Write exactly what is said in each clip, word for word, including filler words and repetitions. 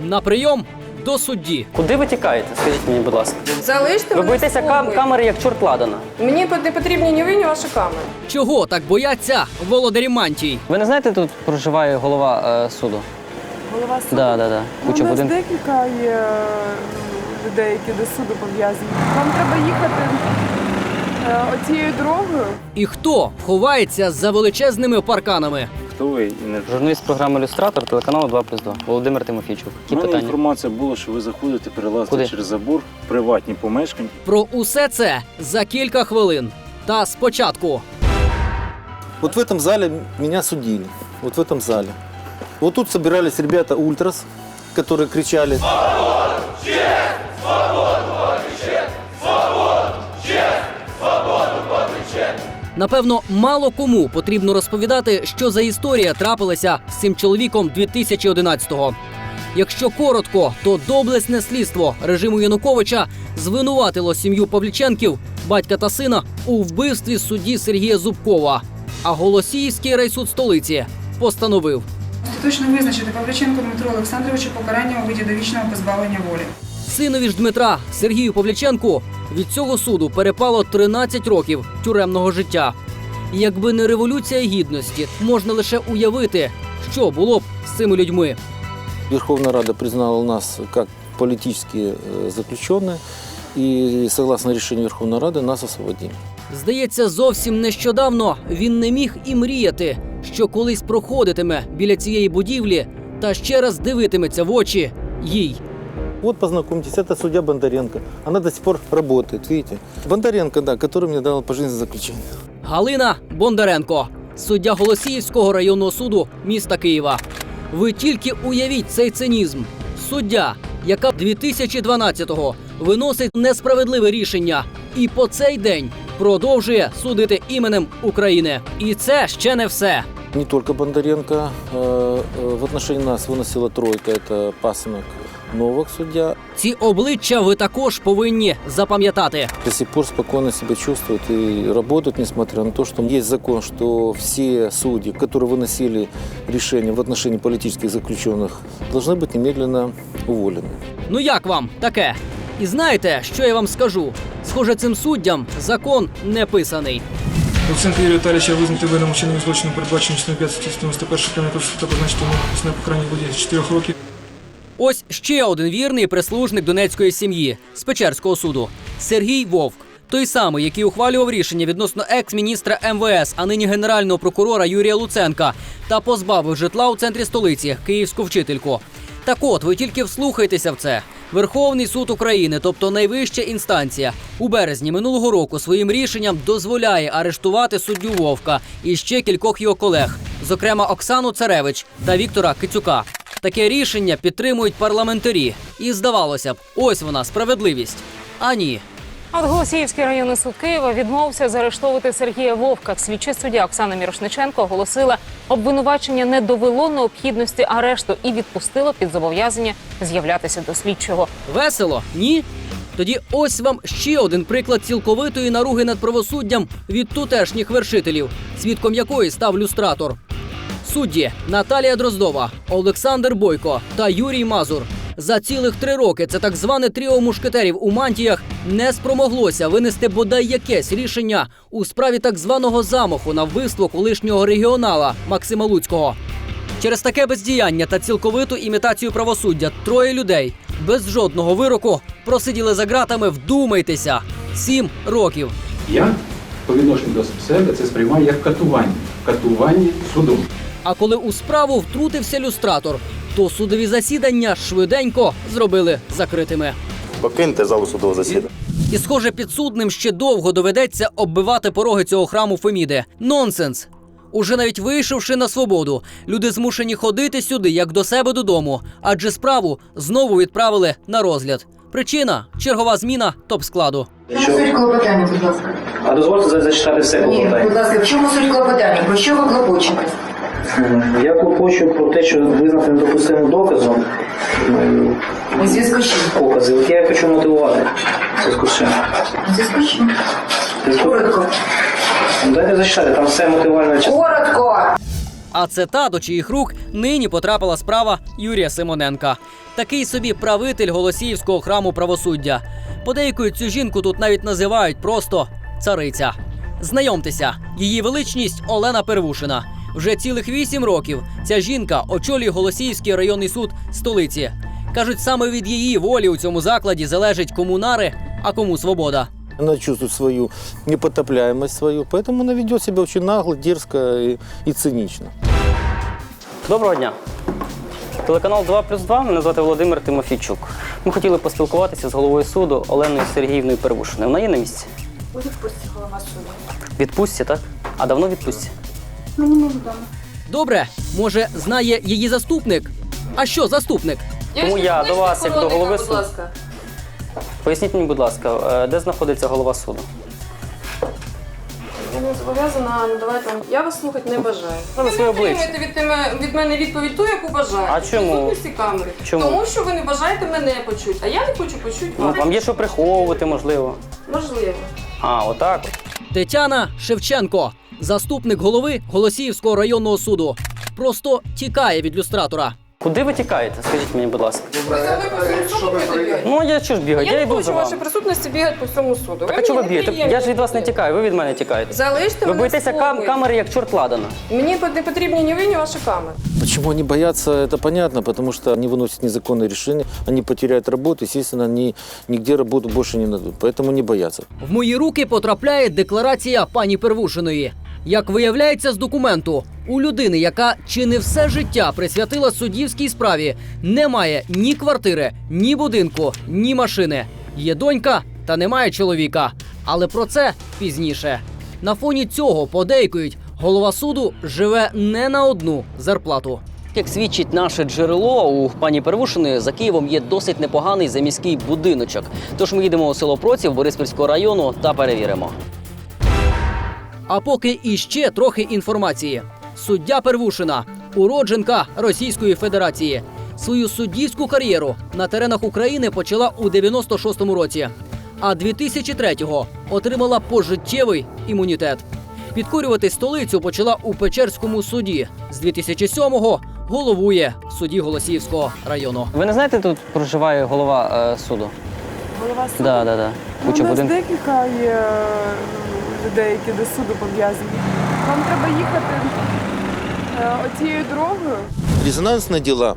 На прийом до судді. Куди ви тікаєте? Скажіть мені, будь ласка. Залиште Ви мене боїтеся кам спокій. камери, як чорт ладана. Мені не потрібні ні ви, ні ваші камери. Чого так бояться володарі мантій? Ви не знаєте, тут проживає голова е, суду? Голова суду? Да, да, да. Ну, Куча у нас будинків. декілька є е, людей, які до суду пов'язані. Вам треба їхати е, оцією дорогою. І хто ховається за величезними парканами? Хто ви? Не... Журналіст програми «Люстратор», телеканалу два плюс два. Володимир Тимофійчук. У Які мене питання? інформація була, що ви заходите, перелазите Куди? через забор, в приватні помешкання. Про усе це за кілька хвилин. Та спочатку. Вот в этом зале меня судили. Вот в этом зале. Вот тут собирались ребята ультрас, которые кричали. Напевно, мало кому потрібно розповідати, що за історія трапилася з цим чоловіком дві тисячі одинадцятого. Якщо коротко, то доблесне слідство режиму Януковича звинуватило сім'ю Павліченків, батька та сина, у вбивстві судді Сергія Зубкова. А Голосіївський райсуд столиці постановив Остаточно визначити Павліченку Дмитру Олександровичу покарання у виді довічного позбавлення волі. синові ж Дмитра Сергію Павліченку від цього суду перепало тринадцять років тюремного життя. Якби не революція гідності, можна лише уявити, що було б з цими людьми. Верховная Рада признала нас как политические э, заключенные. И согласно решению Верховной Рады нас освободили. Здається, зовсім нещодавно він не міг і мріяти, що колись проходитиме біля цієї будівлі та ще раз дивитиметься в очі їй. Вот познакомьтесь, это судья Бондаренко. Она до сих пор работает, видите? Бондаренко, да, который мне дал пожизненное заключение. Галина Бондаренко, суддя Голосіївського районного суду міста Києва. Ви тільки уявіть цей цинізм. Суддя, яка дві тисячі дванадцятого виносить несправедливе рішення і по цей день продовжує судити іменем України. І це ще не все. Не только Бондаренко. Э, э, в отношении нас выносила тройка. Это Пасынок, Новак судья. Ці обличчя ви також повинні запам'ятати. До сих пор спокойно себя чувствуют и работают, несмотря на то, что есть закон, что все судьи, которые выносили решения в отношении политических заключенных, должны быть немедленно уволены. Ну як вам таке? І знаєте, що я вам скажу? Схоже, цим суддям закон не писаний. Луценко Юрія Віталійовича визнати винним у чиненні злочину, передбачено частиною п'ять статті дев'яносто першої Кримінального кодексу та позначити йому усне покарання у виді чотирьох років. Ось ще один вірний прислужник донецької сім'ї з Печерського суду – Сергій Вовк. Той самий, який ухвалював рішення відносно екс-міністра ем ве ес, а нині генерального прокурора Юрія Луценка та позбавив житла у центрі столиці – київську вчительку. Так от, ви тільки вслухайтеся в це. Верховний суд України, тобто найвища інстанція, у березні минулого року своїм рішенням дозволяє арештувати суддю Вовка і ще кількох його колег, зокрема Оксану Царевич та Віктора Кицюка. Таке рішення підтримують парламентарі. І здавалося б, ось вона, справедливість. А ні. А от Голосіївський районний суд Києва відмовився заарештовувати Сергія Вовка. Слідчий суддя Оксана Мірошниченко оголосила, обвинувачення не довело необхідності арешту і відпустило під зобов'язання з'являтися до слідчого. Весело? Ні? Тоді ось вам ще один приклад цілковитої наруги над правосуддям від тутешніх вершителів, свідком якої став люстратор. Судді Наталія Дроздова, Олександр Бойко та Юрій Мазур. За цілих три роки це так зване тріо мушкетерів у мантіях не спромоглося винести бодай якесь рішення у справі так званого замаху на вбивство колишнього регіонала Максима Луцького. Через таке бездіяння та цілковиту імітацію правосуддя троє людей без жодного вироку просиділи за ґратами, вдумайтеся, сім років. Я по відношенню до себе це сприймаю як катування. Катування судом. А коли у справу втрутився люстратор, то судові засідання швиденько зробили закритими. Покиньте залу судового засідання. І, схоже, підсудним ще довго доведеться оббивати пороги цього храму Феміди. Нонсенс! Уже навіть вийшовши на свободу, люди змушені ходити сюди, як до себе додому, адже справу знову відправили на розгляд. Причина – чергова зміна топ-складу. В чому суть клопотання, будь ласка? А дозвольте зачитати все клопотання? Ні, будь ласка, в чому суть клопотання? Про що ви клопочете? Я клопочу про те, що визнати недопустимим доказом. У зв'язку з чим? Покази. От я хочу мотивувати. У зв'язку з чим? У зв'язку з чим? Зв'язку... Коротко. Дайте зачитати, там все мотивальне. Коротко! А це та, до чиїх рук нині потрапила справа Юрія Симоненка. Такий собі правитель Голосіївського храму правосуддя. Подейкують, цю жінку тут навіть називають просто цариця. Знайомтеся, її величність Олена Первушина. Вже цілих вісім років ця жінка очолює Голосіївський районний суд столиці. Кажуть, саме від її волі у цьому закладі залежить кому нари, а кому свобода. Она чувствует свою непотопляемость свою, поэтому она ведет себя очень нагло, дерзко и, и цинично. Доброго дня. Телеканал два плюс два, мене звати Володимир Тимофійчук. Ми хотіли поспілкуватися з головою суду Оленою Сергіївною Первушиною. Вона є на місці? У відпустці голова суду. Відпустці, так? А давно відпустці? Мені невідомо. Добре, може, знає її заступник? А що заступник? Тому я до вас, як до голови суду. ласка. Поясніть мені, будь ласка, де знаходиться голова суду? Я не зобов'язана надавати вам. Я вас слухати не бажаю. Ви на своє обличчя. отримуєте від, теми- від мене відповідь ту, яку бажаєте. А чому? В присутності камери. Чому? Тому що ви не бажаєте мене почути, а я не хочу почути Ну, вас. вам є що приховувати, можливо. Можливо. А, отак. Тетяна Шевченко, заступник голови Голосіївського районного суду. Просто тікає від люстратора. Куди ви тікаєте? Скажіть мені, будь ласка. Представник по всьому суду прибігає. Ну, а я що ж бігаю? Я, Я не йду хочу за в вами. вашій присутності бігати по всьому суду. Так а чого ви б'єте? Я ж від вас не тікаю, ви від мене тікаєте. Залиште Ви мене боїтеся в кам- спокої. камери, як чорт ладана. Мені не потрібні ні ви, ні ваші камери. Почему они боятся, это понятно, потому что они выносят незаконные решения, они потеряют работу, естественно, они нигде работу больше не найдут, поэтому не боятся. В мої руки потрапляє декларація пані Первушиної. Як виявляється з документу, у людини, яка чи не все життя присвятила суддівській справі, немає ні квартири, ні будинку, ні машини. Є донька та немає чоловіка. Але про це пізніше. На фоні цього, подейкують, голова суду живе не на одну зарплату. Як свідчить наше джерело, у пані Первушиної за Києвом є досить непоганий заміський будиночок. Тож ми їдемо у село Проців Бориспільського району та перевіримо. А поки іще трохи інформації. Суддя Первушина – уродженка Російської Федерації. Свою суддівську кар'єру на теренах України почала у дев'яносто шостому році, а дві тисячі третього отримала пожиттєвий імунітет. Підкорювати столицю почала у Печерському суді. З дві тисячі сьомого головує в суді Голосіївського району. Ви не знаєте, тут проживає голова е, суду? Голова суду? Да, да, да. Ну, Куча у нас будинків. декілька є ну, людей, які до суду пов'язані. Вам треба їхати е, оцією дорогою. Резонансные дела,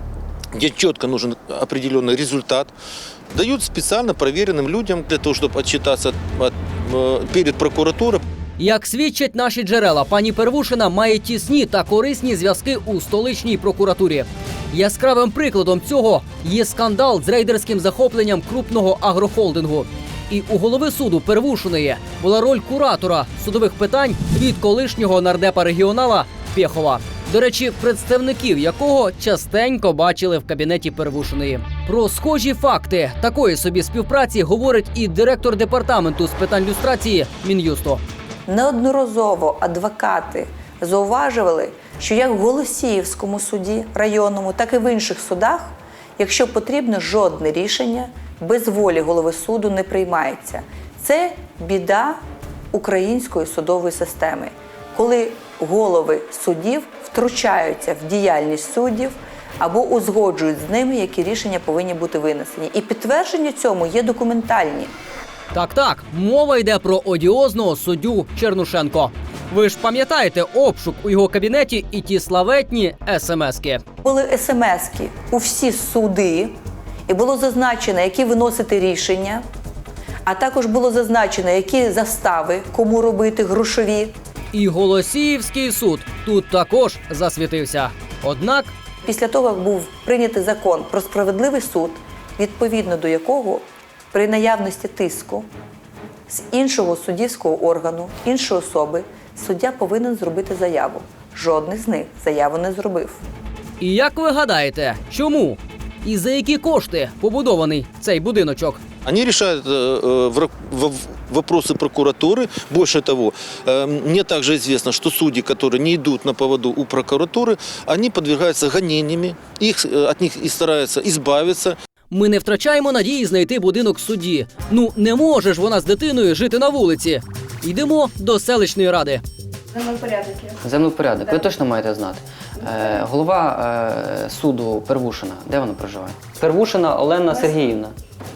где четко нужен определенный результат, дают специально проверенным людям для того, чтобы отчитаться от- э, перед прокуратурой. Як свідчать наші джерела, пані Первушина має тісні та корисні зв'язки у столичній прокуратурі. Яскравим прикладом цього є скандал з рейдерським захопленням крупного агрохолдингу. І у голови суду Первушиної була роль куратора судових питань від колишнього нардепа-регіонала Пєхова. До речі, представників якого частенько бачили в кабінеті Первушиної. Про схожі факти такої собі співпраці говорить і директор департаменту з питань люстрації Мін'юсту. Неодноразово адвокати зауважували, що як в Голосіївському суді районному, так і в інших судах, якщо потрібно, жодне рішення без волі голови суду не приймається. Це біда української судової системи, коли голови судів втручаються в діяльність суддів або узгоджують з ними, які рішення повинні бути винесені. І підтвердження цьому є документальні. Так-так, мова йде про одіозного суддю Чернушенко. Ви ж пам'ятаєте обшук у його кабінеті і ті славетні смски. Були смски у всі суди, і було зазначено, які виносити рішення, а також було зазначено, які застави, кому робити, грошові. І Голосіївський суд тут також засвітився. Однак Після того, як був прийнятий закон про справедливий суд, відповідно до якого при наявності тиску з іншого суддівського органу, іншої особи, суддя повинен зробити заяву. Жодний з них заяву не зробив. І як ви гадаєте, чому? І за які кошти побудований цей будиночок? Они решают э, э, вра- в- вопросы прокуратуры. Больше того, э, мне также известно, что судьи, которые не идут на поводу у прокуратуры, они подвергаются гонениями, их, э, от них и стараются избавиться. Ми не втрачаємо надії знайти будинок судді. Ну, не може ж вона з дитиною жити на вулиці. Йдемо до селищної ради. Землепорядок. Землепорядок. Ви точно маєте знати. Е, голова е, суду Первушина. Де вона проживає? Первушина Олена Сергіївна.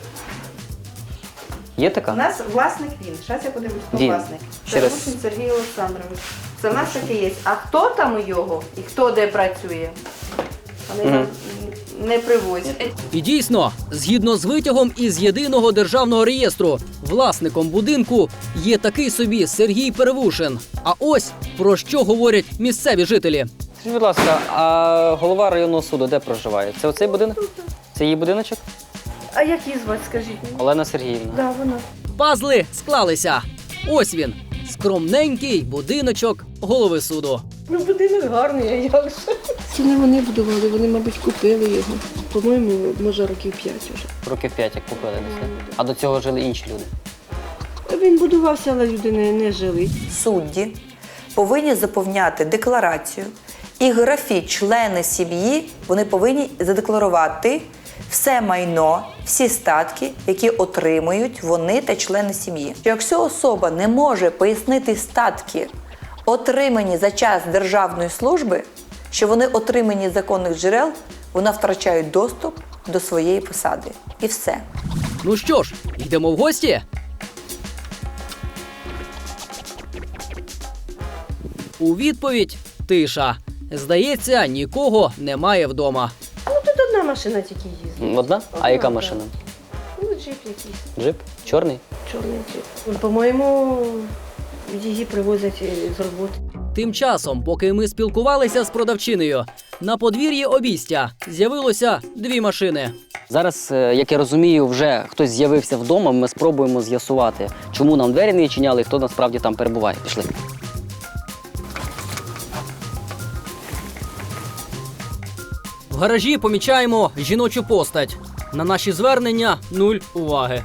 Є така? У нас власник він. Зараз я подивлюсь, хто Він. власник. Ще раз. Первушин Сергій Олександрович. Це в нас таке є. А хто там у його і хто де працює? Вони нам не привозять. І дійсно, згідно з витягом із єдиного державного реєстру, власником будинку є такий собі Сергій Первушин. А ось про що говорять місцеві жителі. Скажіть, будь ласка, а голова районного суду де проживає? Це оцей будинок? Це її будиночок? А як її звати, скажіть мені? Олена Сергіївна. Да, вона. Пазли склалися. Ось він, скромненький будиночок голови суду. Ну, будинок гарний, а як же? Це не вони будували, вони, мабуть, купили його. По-моєму, може, років п'ять вже. Років п'ять, як купили десь, так? А до цього жили інші люди. Він будувався, але люди не, не жили. Судді повинні заповняти декларацію і графі члени сім'ї вони повинні задекларувати все майно, всі статки, які отримують вони та члени сім'ї. Якщо особа не може пояснити статки, отримані за час державної служби, що вони отримані з законних джерел, вона втрачає доступ до своєї посади. І все. Ну що ж, йдемо в гості? У відповідь тиша. Здається, нікого немає вдома. Ну, тут одна машина тільки їздить. Одна? А яка машина? Ну, джип якийсь, Джип? Чорний? чорний джип. По-моєму, її привозять з роботи. Тим часом, поки ми спілкувалися з продавчинею, на подвір'ї обійстя з'явилося дві машини. Зараз, е, як я розумію, вже хтось з'явився вдома, ми спробуємо з'ясувати, чому нам двері не відчиняли і хто насправді там перебуває. Пішли. В гаражі помічаємо жіночу постать. На наші звернення нуль уваги.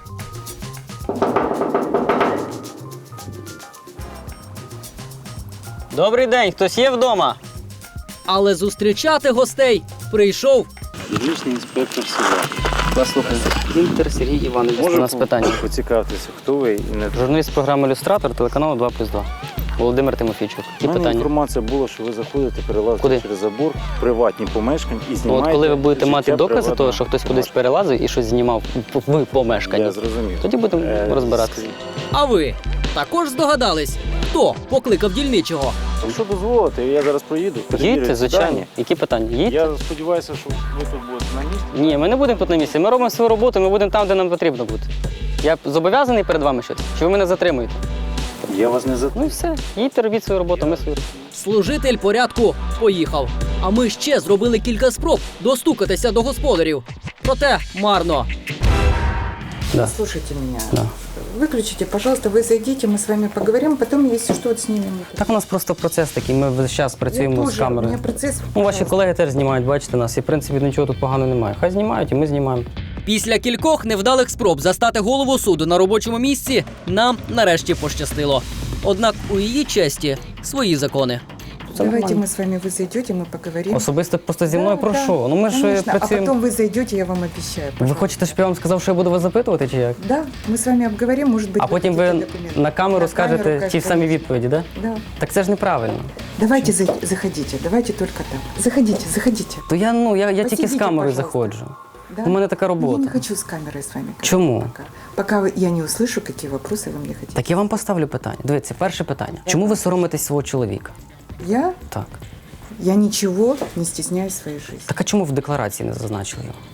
Добрий день, хтось є вдома? Але зустрічати гостей прийшов Дільничний інспектор села. Вас слухаю. Інтер Сергій Іванович, у Можу нас питання. поцікавитися, хто ви і не Журналіст програми «Люстратор» телеканалу два плюс два. Володимир Тимофійчук. Які У мене питання? інформація була, що ви заходите, перелазите Куди? через забор, в приватні помешкання і Ну, знімаєте. от коли ви будете життя мати докази приватного того, що хтось кудись перелазив і щось знімав в помешканні, Я зрозумів. тоді будемо Е, розбиратися. А ви також здогадались, хто покликав дільничого? Якщо дозволите, я зараз проїду, перевірю Їдьте, ці звичайно. дані. Які питання? Їдьте. Я сподіваюся, що ви тут будете на місці. Ні, ми не будемо тут на місці. Ми робимо свою роботу, ми будемо там, де нам потрібно бути. Я зобов'язаний перед вами щось? Чи ви мене затримуєте? Я вас не Ну затримую. і все. Їдьте, робіть свою роботу, ми свою. Служитель порядку поїхав. А ми ще зробили кілька спроб достукатися до господарів. Проте марно. Да. Слушайте меня. Да. Выключите, пожалуйста, вы зайдите, мы с вами поговорим, потом, если что, вот снимем. Так у нас просто процес такий, ми весь час працюємо з У камерою. меня процесс. Ну, ваші колеги теж знімають, бачите нас, і в принципі нічого тут поганого немає. Хай знімають, і ми знімаємо. Після кількох невдалих спроб застати голову суду на робочому місці нам нарешті пощастило. Однак у її честі свої закони. Давайте мы с вами, вы зайдете, мы поговорим. Особисто просто зі мною про що? Ну ми ж Конечно. А працюємо. потом вы зайдете, я вам обещаю. Ви хочете, щоб я вам сказав, що я буду вас запитувати, чи як? Да, мы с вами обговорим, может быть, А потім ви дадите документы. на камеру На скажете камеру ті кажете. самі відповіді, так? Да? Да. Так це ж неправильно. Давайте за- заходите, давайте только так. Заходите, заходите. То я, ну, я, я тільки з Посидите, камерою пожалуйста. заходжу. Да? У мене така Я робота. не хочу с камерой с вами говорить. Чому? Пока, пока вы- я не услышу, какие вопросы вы мне хотите. Так я вам поставлю питання. Дивіться, перше питання. Чому ви соромитесь свого чоловіка? Я? Так. Я ничего не стесняюсь в своей жизни. Так а чому в декларації не зазначили його?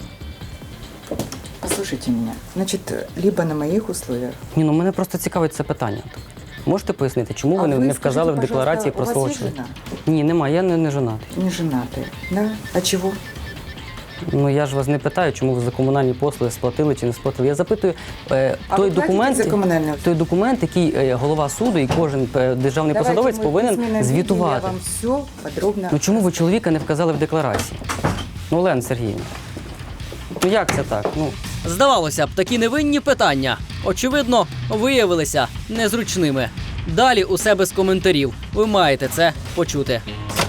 Послушайте меня. Значит, либо на моих условиях. Ні, ну мене просто цікавить це питання. Можете пояснити, чому А ви не, ви не вказали в скажіть, декларації пожалуйста, про у вас свого є чоловіка? Ні, немає, я не, не жонатий. Не женатые, да? А чего? Ну я ж вас не питаю, чому ви за комунальні послуги сплатили чи не сплатили. Я запитую е, А той ви платите документ, за комунальні услуги? той документ, який е, голова суду і кожен е, державний Давайте посадовець мы повинен письменно звітувати. видим, Я вам все подробно. Ну чому ви чоловіка не вказали в декларації? Ну, Олена Сергіївна, ну як це так? Ну, Здавалося б, такі невинні питання, очевидно, виявилися незручними. Далі усе без коментарів. Ви маєте це почути.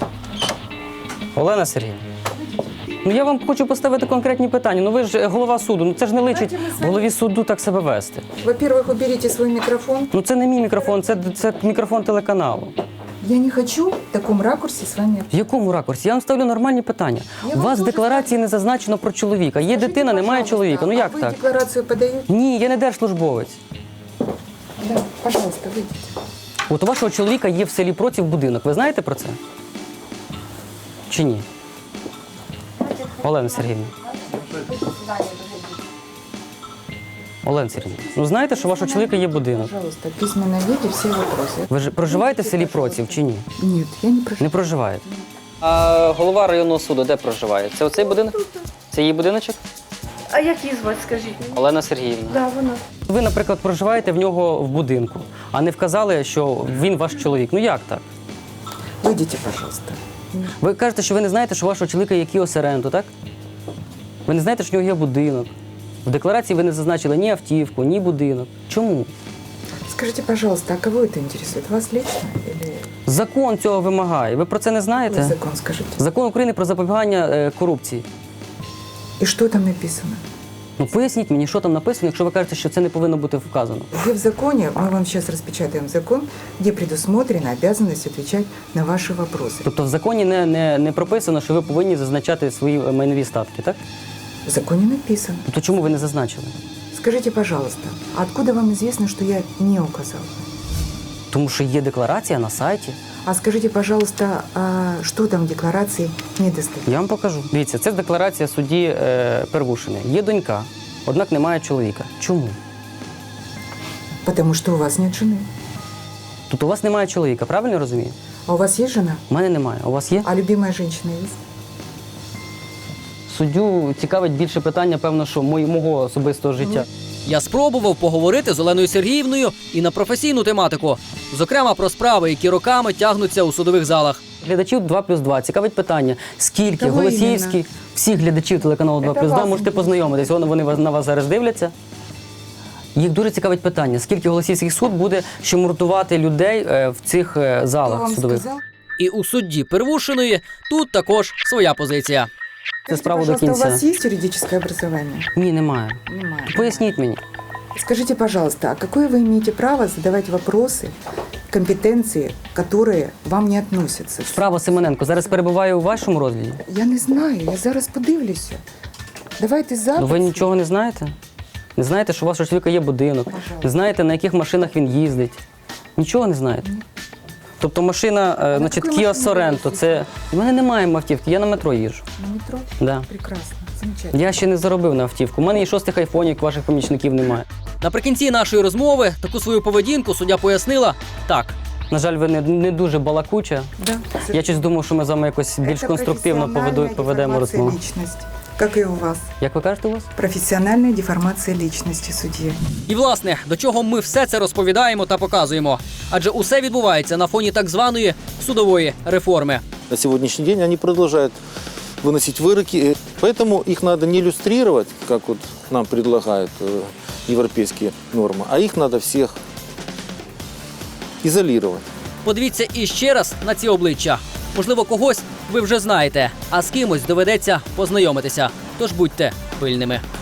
Олена Сергіївна, ну я вам хочу поставити конкретні питання. Ну ви ж голова суду, ну це ж не личить голові суду так себе вести. Во-первых, уберите свой микрофон. Ну це не мій мікрофон, це, це мікрофон телеканалу. Я не хочу в такому ракурсі з вами. В якому ракурсі? Я вам ставлю нормальні питання. Я У вас в вам декларації не зазначено про чоловіка. Є Скажіть, дитина, немає пожалуйста, чоловіка. Ну як а ви так? декларацію подаєте? Ні, я не держслужбовець. Да, пожалуйста, вийдіть. От у вашого чоловіка є в селі Проців будинок. Ви знаєте про це? Чи ні? Олена Сергіївна. Олена Сергіївна, ну знаєте, що у вашого чоловіка є будинок? Пожалуйста, в письменном виде всі вопроси. Ви ж проживаєте в селі Проців чи ні? Ні, я не проживаю. Не проживаєте. А голова районного суду де проживає? Це оцей будинок? Це її будиночок? А як її звати, скажіть мені? Олена Сергіївна. Да, вона. Ви, наприклад, проживаєте в нього в будинку, а не вказали, що він ваш чоловік. Ну як так? Вийдіть, пожалуйста. Ви кажете, що ви не знаєте, що у вашого чоловіка є Kia Sorento, так? Ви не знаєте, що в нього є будинок. В декларації ви не зазначили ні автівку, ні будинок. Чому? Скажите, пожалуйста, а кого это интересует? Вас лично? Или... Закон цього вимагає. Ви про це не знаєте? Какой закон, скажите? Закон України про запобігання е, корупції. И что там написано? Ну поясніть мені, що там написано, якщо ви кажете, що це не повинно бути вказано. Где в законе, мы вам сейчас распечатаем закон, где предусмотрена обязанность отвечать на ваши вопросы. Тобто в законі не, не, не прописано, що ви повинні зазначати свої майнові статки, так? В законе написано. То чому ви не зазначили? Скажите, пожалуйста, а откуда вам известно, что я не указал? Тому що є декларація на сайті. А скажите, пожалуйста, а что там в декларации недостаточно? Я вам покажу. Дивіться, це декларація судді е, Первушини. Є донька, однак немає чоловіка. Чому? Потому что у вас нет жены. Тут у вас немає чоловіка, правильно я розумію? А у вас есть жена? У мене немає. У вас є? А любимая женщина есть? Суддю цікавить більше питання, певно, що мої- мого особистого життя. Я спробував поговорити з Оленою Сергіївною і на професійну тематику, зокрема про справи, які роками тягнуться у судових залах. Глядачів два плюс два цікавить питання, скільки Кого голосіївських, іменно? всіх глядачів телеканалу два Це плюс два вас можете познайомитись, вони, вони вас- на вас зараз дивляться. Їх дуже цікавить питання, скільки голосіївських суд буде ще муртувати людей е, в цих е, Кто залах вам судових. сказал? І у судді Первушиної тут також своя позиція. Це справа до Пожалуйста, у кінця. вас есть юридическое образование? Ні, немає. Немає. Поясніть мені. Скажите, пожалуйста, а какое вы имеете право задавать вопросы, компетенции, которые вам не относятся? Справа Симоненко зараз перебуває у вашому розгляді? Я не знаю, я зараз подивлюся. Давайте Ну запис. ви нічого не знаєте? Не знаєте, що у вашого чоловіка є будинок? Не знаєте, на яких машинах він їздить? Нічого не знаєте? Тобто машина, е, значить, якої Kia машині ви Sorento, їздите? це... У мене немає автівки, я на метро їжджу. На метро? Да. Прекрасно, замечательно. Я ще не заробив на автівку. У мене і шостих айфонів, як ваших помічників немає. Наприкінці нашої розмови таку свою поведінку суддя пояснила так. На жаль, ви не, не дуже балакуча. Да, Я щось думав, що ми з вами якось більш Это конструктивно поведу, профессиональная поведемо деформация розмову. личности, как и у вас. Як ви кажете у вас? Профессиональная деформация личности судьи. І, власне, до чого ми все це розповідаємо та показуємо. Адже усе відбувається на фоні так званої судової реформи. На сегодняшний день они продолжают выносить выроки, поэтому их надо не иллюстрировать, как вот нам предлагают э, европейские нормы, а их надо всех изолировать. Подивіться іще раз на ці обличчя. Можливо, когось ви вже знаєте, а з кимось доведеться познайомитися. Тож будьте пильними.